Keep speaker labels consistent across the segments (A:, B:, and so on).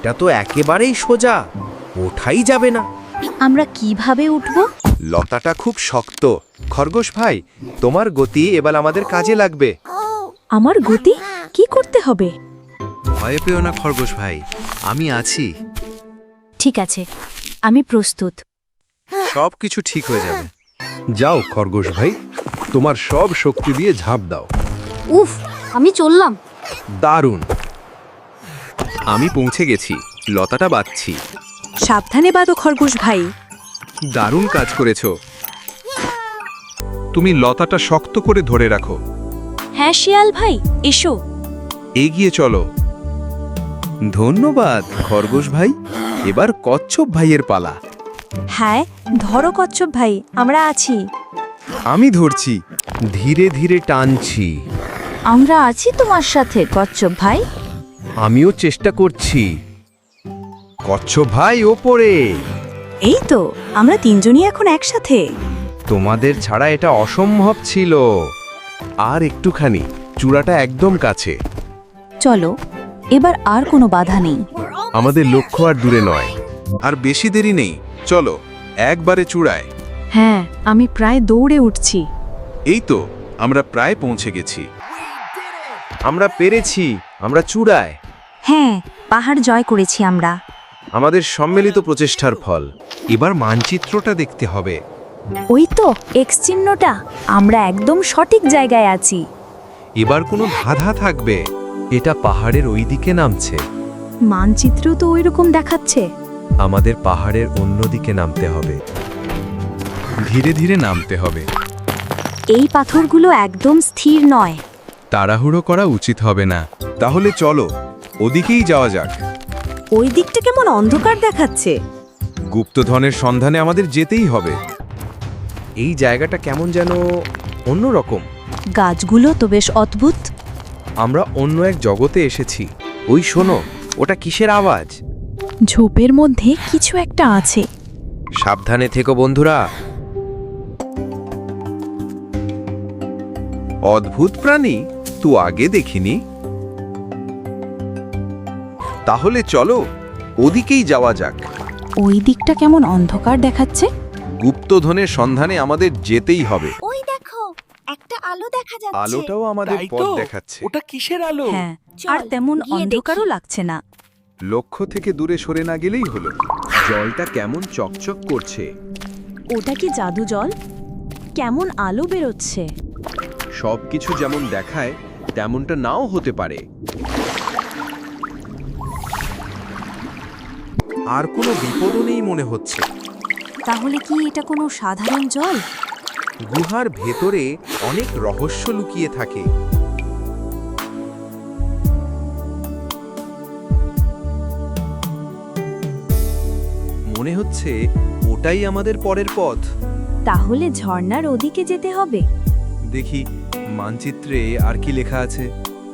A: এটা তো একেবারেই সোজা, ওঠাই যাবে না।
B: আমরা কিভাবে উঠব?
A: লতাটা খুব শক্ত। খরগোশ ভাই, তোমার গতি এবার আমাদের কাজে লাগবে।
B: আমার গতি কি করতে হবে?
A: ভয় পেও না খরগোশ ভাই, আমি আছি।
B: ঠিক আছে, আমি প্রস্তুত।
A: সব কিছু ঠিক হয়ে যাবে।
C: যাও খরগোশ ভাই, তোমার সব শক্তি দিয়ে ঝাঁপ দাও।
B: উফ, আমি চললাম।
C: দারুণ।
A: আমি পৌঁছে গেছি, লতাটা বাঁধছি।
B: সাবধানে বাঁধো খরগোশ ভাই।
A: দারুণ কাজ করেছো।
C: তুমি লতাটা শক্ত করে ধরে রাখো।
B: হ্যাঁ শিয়াল ভাই, এসো।
C: এগিয়ে চলো।
A: ধন্যবাদ খরগোশ ভাই। এবার কচ্ছপ ভাইয়ের পালা।
B: হ্যাঁ, ধরো কচ্ছপ ভাই, আমরা আছি।
A: আমি ধরছি, ধীরে ধীরে টানছি।
B: আমরা আছি তোমার সাথে কচ্ছপ ভাই।
A: আমিও চেষ্টা করছি। কচ্ছপ ভাই ওপরে।
B: এই তো, আমরা তিনজনই এখন একসাথে।
A: তোমাদের ছাড়া এটা অসম্ভব ছিল। আর একটুখানি, চূড়াটা একদম কাছে।
B: চলো, এবার আর কোনো বাধা নেই।
C: আমাদের লক্ষ্য আর দূরে নয়।
D: আর বেশি দেরি নেই, চলো একবারে চূড়ায়।
B: হ্যাঁ, আমি প্রায় দৌড়ে উঠছি।
D: এই তো, আমরা প্রায় পৌঁছে গেছি।
A: আমরা পেরেছি, আমরা চূড়ায়।
B: হ্যাঁ, পাহাড় জয় করেছি আমরা।
A: আমাদের সম্মিলিত প্রচেষ্টার ফল। এবার মানচিত্রটা দেখতে হবে।
B: ওই তো এক্স চিহ্নটা, আমরা একদম সঠিক জায়গায় আছি।
A: এবার কোনো ধাঁধা থাকবে। এটা পাহাড়ের ওই দিকে নামছে।
B: মানচিত্র তো ওইরকম দেখাচ্ছে।
A: আমাদের পাহাড়ের অন্য দিকে নামতে হবে।
D: ধীরে ধীরে নামতে হবে।
B: এই পাথরগুলো একদম স্থির নয়।
D: তাড়াহুড়ো করা উচিত হবে না। তাহলে চলো, ওদিকেই যাওয়া যাক।
B: ওই দিকটা কেমন অন্ধকার দেখাচ্ছে।
D: গুপ্তধনের সন্ধানে আমাদের যেতেই হবে।
A: এই জায়গাটা কেমন যেন অন্যরকম।
B: গাছগুলো তো বেশ অদ্ভুত।
A: আমরা অন্য এক জগতে এসেছি। ওই শোনো, ওটা কিসের আওয়াজ?
B: ঝোপের মধ্যে কিছু একটা আছে।
A: সাবধানে থেকো বন্ধুরা।
D: অদ্ভুত প্রাণী তো আগে দেখিনি। তাহলে চলো, ওদিকেই যাওয়া যাক।
B: ওই দিকটা কেমন অন্ধকার দেখাচ্ছে।
D: গুপ্তধনের সন্ধানে আমাদের যেতেই হবে।
E: ওই দেখো, একটা আলো দেখা যাচ্ছে।
D: আলোটাও আমাদের পথ দেখাচ্ছে।
F: ওটা কিসের আলো?
B: হ্যাঁ,
E: চল,
B: আর তেমন
E: গিয়ে
B: অন্ধকারও
E: দেখি।
B: লাগছে না।
D: লক্ষ্য থেকে দূরে সরে না গেলেই হলো। জলটা কেমন চকচক করছে।
B: ওটা কি জাদু জল? কেমন আলো বেরোচ্ছে।
D: সবকিছু যেমন দেখায় তেমনটা নাও হতে পারে।
A: আর কোনো বিপদও নেই মনে হচ্ছে।
B: তাহলে কি এটা কোনো সাধারণ জল?
A: গুহার ভেতরে অনেক রহস্য লুকিয়ে থাকে। মনে হচ্ছে ওটাই আমাদের পরের পথ।
B: তাহলে ঝর্ণার ওদিকে যেতে হবে।
D: দেখি মানচিত্রে আর কি লেখা আছে।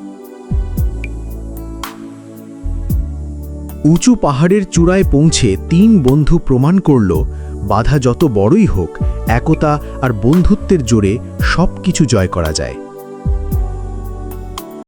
G: উঁচু পাহাড়ের চূড়ায় পৌঁছে তিন বন্ধু প্রমাণ করল, বাধা যত বড়ই হোক, একতা আর বন্ধুত্বের জোরে সবকিছু জয় করা যায়।